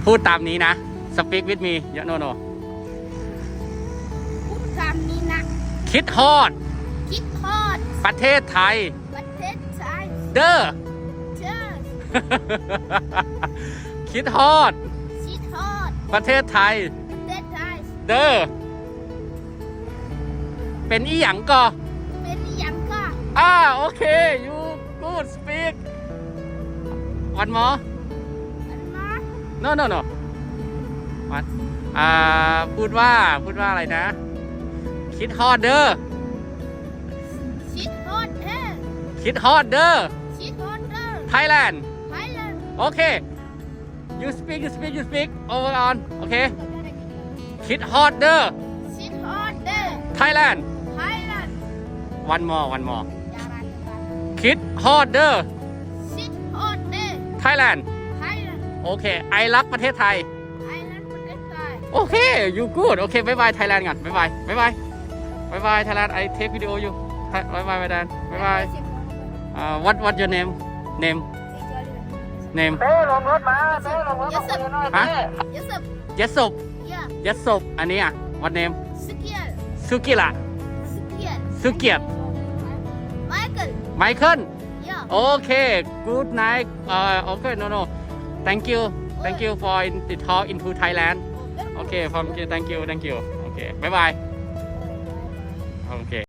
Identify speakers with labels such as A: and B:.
A: พูดตามนี้นะ speak with me เยอะโนโน
B: พูดคำนี้นะ
A: คิดฮอด
B: คิดทอด
A: ประเทศไทย
B: ประเทศไทย
A: เด้อ
B: เชิญ
A: คิดฮอด
B: คิดทอด
A: ประเทศไทย
B: ประเทศไทย
A: เด้อ เป็นอีหยังก็
B: เป็นอย่างก็
A: โอเค you good speak one more
B: อันนะ
A: no no no what พูดว่าอะไรนะ คิดฮอดเด้อ
B: คิดทอดเด้อ
A: คิดฮอดเด้อ
B: คิดทอดเด้อ
A: Thailand
B: ไทยแลนด์
A: โอเค you speak over on โอเค คิดฮอดเด้อ
B: คิดทอดเด้อ
A: Thailand
B: ไทยแลนด์
A: one more
B: ยารัน
A: คิดฮอดเด้อ
B: คิดทอดเด้อ
A: Thailand
B: ไทยแลนด์
A: โอเค ไอรักประเทศไทย
B: ไทยแลนด์ประเทศไทย
A: โอเค you good โอเคบายบาย Thailand ก่อนบายบาย Thailand I take video you บายบาย Thailand บายบาย what your name เต้ลงรถมาเต้ลงรถมาคุยกันหน่อยฮะ
B: Yes sir
A: ยัสบ
B: yeah
A: ยัสบอันนี้อ่ะ what name
B: สเกียร์
A: สุกิระ
B: สเกียร์
A: สุเกียรติ
B: ไมเคิล
A: ไมเคิล
B: yeah
A: โอเค good night โอเค no thank you for the talk into Thailand โอเค thank you โอเคบายบายโอเค